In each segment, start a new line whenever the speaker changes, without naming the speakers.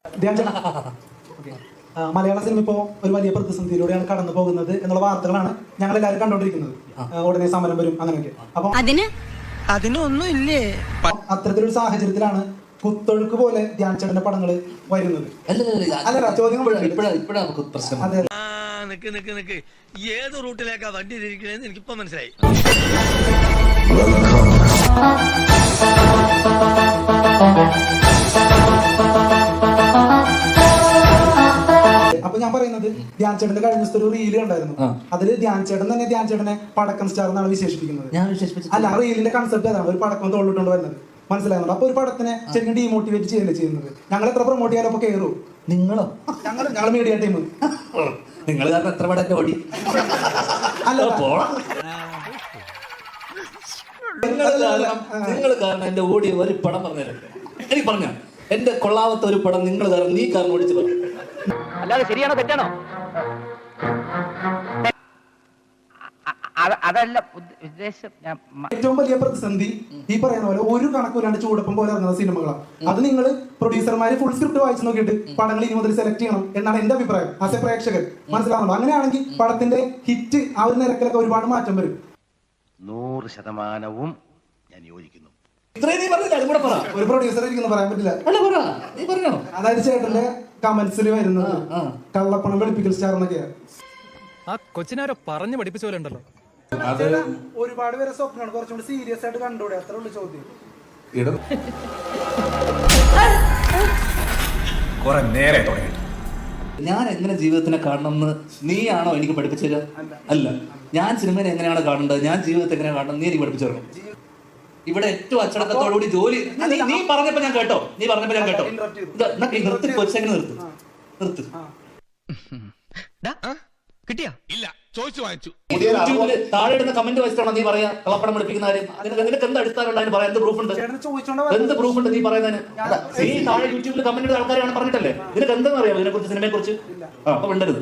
മലയാള സിനിമ ഇപ്പോൾ ഒരു വലിയ പ്രതിസന്ധിയിലൂടെയാണ് കടന്നു പോകുന്നത് എന്നുള്ള വാർത്തകളാണ് ഞങ്ങൾ എല്ലാവരും കണ്ടുകൊണ്ടിരിക്കുന്നത്. ഉടനെ സമരം വരും അങ്ങനെയൊക്കെ. അപ്പൊ
അതിനൊന്നും ഇല്ലേ?
അത്തരത്തിലൊരു സാഹചര്യത്തിലാണ് കുത്തൊഴുക്ക് പോലെ ധ്യാൻ ചേട്ടന്റെ പടങ്ങൾ വരുന്നത്. അല്ലല്ല, ചോദ്യം അതെ.
നിക്ക് ഏത് റൂട്ടിലേക്കാ വണ്ടി തിരിക്കണേന്ന് എനിക്കിപ്പോ മനസ്സിലായി.
അപ്പൊ ഞാൻ പറയുന്നത് ധ്യാൻ ചേട്ടന്റെ കഴിഞ്ഞ ദിവസത്തെ ഒരു റീല് ഉണ്ടായിരുന്നു. അതില് ധ്യാൻ ചേട്ടൻ തന്നെ ധ്യാൻ ചേട്ടനെ പടക്കം സ്റ്റാർ എന്നാണ് വിശേഷിപ്പിക്കുന്നത്. അല്ല, റീലിന്റെ കൺസെപ്റ്റ് അതാണ്, ഒരു പടക്കം തോളിട്ടുകൊണ്ട് വരുന്നത്. മനസ്സിലാകുന്നുണ്ട്. അപ്പൊ ഒരു പടത്തിനെ ശരിക്കും ഡീമോട്ടിവേറ്റ് ചെയ്യല്ലേ ചെയ്യുന്നത്. ഞങ്ങൾ എത്ര പ്രൊമോട്ട് ചെയ്യാലോ അപ്പൊ കയറും.
നിങ്ങളോ?
ഞങ്ങൾ മീഡിയ ടീം.
നിങ്ങൾ കാരണം എത്ര പടം ഓടി. നിങ്ങൾ കാരണം എന്റെ ഓടി ഒരു പടം പറഞ്ഞില്ല. എനിക്ക് പറഞ്ഞ എന്റെ കൊള്ളാവത്ത ഒരു പടം നിങ്ങൾ കാരണം നീ കാരണം ഓടിച്ചു പറഞ്ഞു.
അല്ലാതെ ശരിയാണോ തെറ്റാണോ? അതല്ല ഉദ്ദേശം.
ഏറ്റവും വലിയ പ്രതിസന്ധി ഈ പറയുന്ന പോലെ ഒരു കണക്കൂരാണ്ട് ചൂടപ്പം പോലെ ഇറങ്ങുന്ന സിനിമകളാണ്. അത് നിങ്ങൾ പ്രൊഡ്യൂസർമാര് ഫുൾ സ്ക്രിപ്റ്റ് വായിച്ചു നോക്കിയിട്ട് പടങ്ങൾ ഇനി മുതൽ സെലക്ട് ചെയ്യണം എന്നാണ് എന്റെ അഭിപ്രായം. ആസ് എ പ്രേക്ഷകൻ മനസ്സിലാവുന്നുള്ളൂ. അങ്ങനെയാണെങ്കിൽ പടത്തിന്റെ ഹിറ്റ് ആ ഒരു നിരക്കിലൊക്കെ ഒരുപാട് മാറ്റം വരും.
100% ഞാൻ യോജിക്കുന്നു.
ഒരു പ്രൊഡ്യൂസർ ഇരിക്കുന്നു പറയാൻ പറ്റില്ല. അതായത് ചേട്ടന്റെ കമന്റ്സിൽ വരുന്നത് കള്ളപ്പണം വെളുപ്പിക്കൽ സ്റ്റാർ എന്നൊക്കെയാണ്.
ആ കൊച്ചിനാരോ പറഞ്ഞു പഠിപ്പിച്ച പോലെ ഉണ്ടല്ലോ.
ഒരുപാട് പേരെ സ്വപ്നമാണ് കുറച്ചുകൂടി സീരിയസ് ആയിട്ട് കണ്ടൂടെ? അത്ര ഉള്ളു ചോദ്യം.
ഞാൻ എങ്ങനെ ജീവിതത്തിനെ കാണണമെന്ന് നീയാണോ എനിക്ക് പഠിപ്പിച്ചു തരാ? അല്ല, ഞാൻ സിനിമയെ എങ്ങനെയാണ് കാണേണ്ടത്, ഞാൻ ജീവിതത്തെ എങ്ങനെയാണ് കാണുന്നത് നീ എനിക്ക് പഠിപ്പിച്ചു തരണം. ഇവിടെ ഏറ്റവും അച്ചടക്കത്തോടുകൂടി ജോലി നീ പറഞ്ഞപ്പോ ഞാൻ കേട്ടോ. നിർത്ത്.
കിട്ടിയാ? ഇല്ല, ചോദിച്ചു വാങ്ങിച്ചു.
യൂട്യൂബില് താഴെ ഇടുന്ന കമന്റ് വെച്ചിട്ടാണോ നീ പറയാ കള്ളപ്പണം പഠിപ്പിക്കുന്ന കാര്യം? നിനക്ക് എന്ത് അടിസ്ഥാനം അതിന് പറയാൻ? എന്ത് പ്രൂഫ് ഉണ്ട് നീ പറയുന്നതിന്? നീ താഴെ യൂട്യൂബിൽ കമന്റ് ഇടുന്ന ആൾക്കാരാണ് പറഞ്ഞിട്ടല്ലേ? നിനക്ക് എന്തെന്ന് അറിയാം ഇതിനെ കുറിച്ച്, സിനിമയെ കുറിച്ച്? അപ്പൊ വേണ്ടത്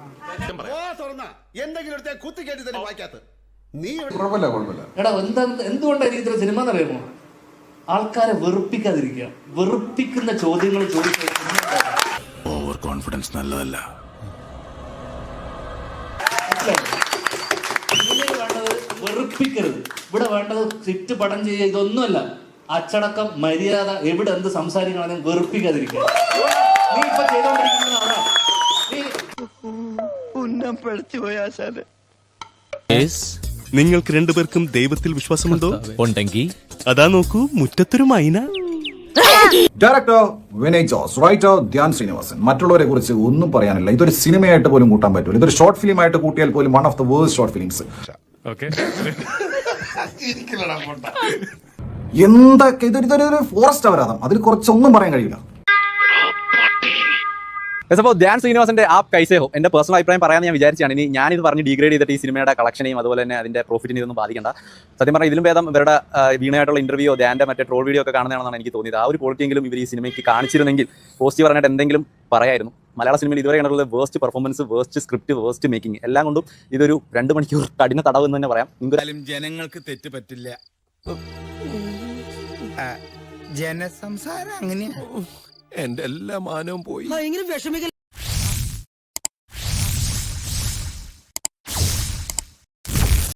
എടാ എന്തുകൊണ്ടാണ് എനിക്ക് ഇത്ര സിനിമ എന്നറിയാമോ? ആൾക്കാരെ വെറുപ്പിക്കാതിരിക്കുക. വെറുപ്പിക്കുന്ന ചോദ്യങ്ങൾ ചോദിക്കുക.
ഓവർ കോൺഫിഡൻസ് നല്ലതല്ല.
വേണ്ടത് വെറുപ്പിക്കരുത്. ഇവിടെ വേണ്ടത് സ്ക്രിപ്റ്റ് പടം ചെയ്യുക, ഇതൊന്നുമല്ല. അച്ചടക്കം, മര്യാദ, എവിടെ എന്ത് സംസാരിക്കണം വെറുപ്പിക്കാതിരിക്കുക. നീ ഇപ്പൊ ചെയ്തോണ്ടിരിക്കുന്നതാണ്.
നിങ്ങൾക്ക് രണ്ടുപേർക്കും ദൈവത്തിൽ വിശ്വാസമുണ്ടോ? ഉണ്ടെങ്കിൽ അതാ നോക്കൂ, മുറ്റത്തൊരു മൈന.
Director Vinay Jose, writer Dhyan Sreenivasan. മറ്റുള്ളവരെ കുറിച്ച് ഒന്നും പറയാനില്ല. ഇതൊരു സിനിമയായിട്ട് പോലും കൂട്ടാൻ പറ്റില്ല. ഇതൊരു ഷോർട്ട് ഫിലിം ആയിട്ട് കൂട്ടിയാൽ പോലും one of the worst short films. എന്തൊക്കെ ഇതൊരു ഫോറസ്റ്റ് അപരാധം. അതിൽ കുറച്ചൊന്നും പറയാൻ കഴിയില്ല.
അപ്പോൾ ധ്യാൻ ശ്രീനിവാസന്റെ ആപ്പ് കൈസേ ഹോ എന്റെ പേഴ്സണൽ അഭിപ്രായം പറയാമെന്ന് ഞാൻ വിചാരിച്ചാണ്. ഇനി ഞാനിത് പറഞ്ഞ് ഡീഗ്രേഡ് ചെയ്തിട്ട് ഈ സിനിമയുടെ കളക്ഷനെയും അതുപോലെ തന്നെ അതിന്റെ പ്രോഫിറ്റിനെ ഇതൊന്നും ബാധിക്കേണ്ട. സത്യം പറഞ്ഞാൽ ഇതിലും ഭേദം ഇവരുടെ വീണായിട്ടുള്ള ഇന്റർവ്യൂ, ധ്യാന്റെ മറ്റേ ട്രോൾ വീഡിയോ ഒക്കെ കാണുന്നതാണെന്നാണ് എനിക്ക് തോന്നിയത്. ആ ഒരു ക്വാളിറ്റിയെങ്കിലും ഇവർ ഈ സിനിമയ്ക്ക് കാണിച്ചിരുന്നെങ്കിൽ പോസിറ്റീവ് പറഞ്ഞിട്ട് എന്തെങ്കിലും പറയായിരുന്നു. മലയാള സിനിമയിൽ ഇതുവരെ കണ്ടുള്ള waste performance, waste script, waste making എല്ലാം കൊണ്ടും ഇതൊരു 2 മണിക്കൂർ കഠിന തടവ് എന്ന് തന്നെ പറയാം.
ജനങ്ങൾക്ക് തെറ്റ് പറ്റില്ല.
ജനസംസാരം അങ്ങനെ
എന്റെ എല്ലാ മാനവും പോയി.
വിഷമിക്കൽ.